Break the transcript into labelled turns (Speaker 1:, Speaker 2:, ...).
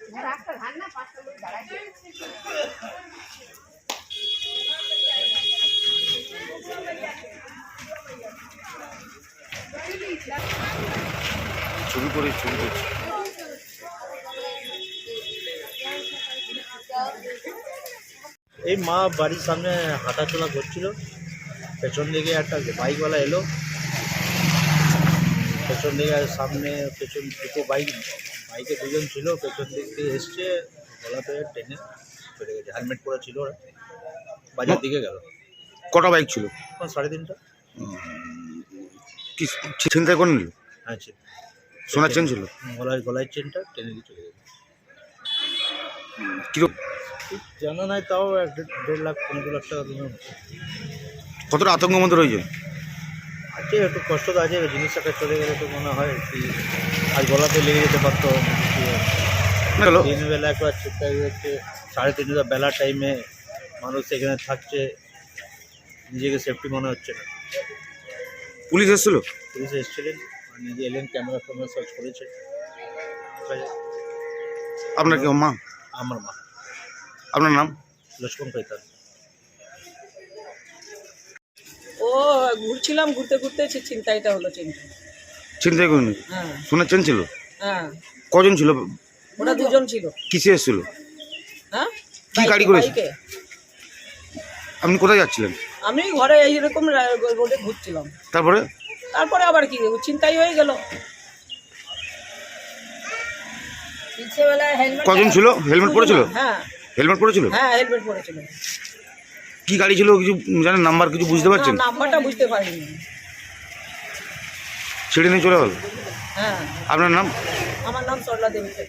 Speaker 1: ছবি করে ছবি করছি।
Speaker 2: এই মা বাড়ির সামনে হাঁটাচলা করছিল, পেছন দিকে একটা বাইকওয়ালা এলো, পেছন দিকে সামনে পেছন দুটো বাইকে দুজন ছিল, পেছন দিক দিয়ে এসছে, গলাতে টেনে চলে গেছে। হেলমেট পরা ছিল, ওরা বাজার দিকে গেল।
Speaker 1: কটা বাইক ছিল?
Speaker 2: 3:30।
Speaker 1: কি চিন্তা করে নিল?
Speaker 2: হ্যাঁ,
Speaker 1: সোনার চেন ছিল?
Speaker 2: গলায় চেনটা টেনে দিয়ে চলে গেছে।
Speaker 1: কিরকম
Speaker 2: জানা নাই, তাও 1.5 লাখ 15 লাখ টাকা বিমা হচ্ছে।
Speaker 1: কতটা আতঙ্কের মধ্যে রয়েছে?
Speaker 2: আছে, একটু কষ্ট তো আছে। জিনিসটা চলে গেলে তো মনে হয় কি আজ গলাতে লেগে যেতে পারতো। দিনবেলা একবার চিন্তা হচ্ছে, 3:30 বেলার টাইমে মানুষ এখানে থাকছে, নিজেকে সেফটি মনে হচ্ছে না।
Speaker 1: পুলিশ এসেছিল?
Speaker 2: পুলিশ এসেছিলেন, নিজে এলেন, ক্যামেরা সার্চ করেছে।
Speaker 1: আপনার কি মা?
Speaker 2: আমার মা।
Speaker 1: আপনার নাম?
Speaker 2: লক্ষ্মণ কৈতাল।
Speaker 3: ও ঘুরছিলাম, ঘুরতে ঘুরতে চিন্তাইটা হলো।
Speaker 1: চিন্তাই করিনি?
Speaker 3: হ্যাঁ।
Speaker 1: সোনার চেন ছিল?
Speaker 3: হ্যাঁ।
Speaker 1: কজন ছিল?
Speaker 3: ওরা দুজন ছিল।
Speaker 1: কিসে এসেছিল?
Speaker 3: হ্যাঁ,
Speaker 1: কি গাড়ি করেছে? আপনি কোথায় যাচ্ছিলেন?
Speaker 3: আমি ঘরে এইরকম রোডে ঘুরছিলাম।
Speaker 1: তারপরে
Speaker 3: আবার কি চিন্তাই হয়ে গেল।
Speaker 1: কজন ছিল? হেলমেট পরেছিল?
Speaker 3: হ্যাঁ।
Speaker 1: হেলমেট পরেছিল?
Speaker 3: হ্যাঁ, হেলমেট পরেছিল।
Speaker 1: কি গাড়ি ছিল কিছু জানেন? নাম্বার কিছু বুঝতে পারছেন?
Speaker 3: নাম্বারটা বুঝতে পারিনি।
Speaker 1: ছেড়ে নিয়ে চলে গেল?
Speaker 3: হ্যাঁ।
Speaker 1: আপনার নাম?
Speaker 3: আমার নাম সরলা দেবী।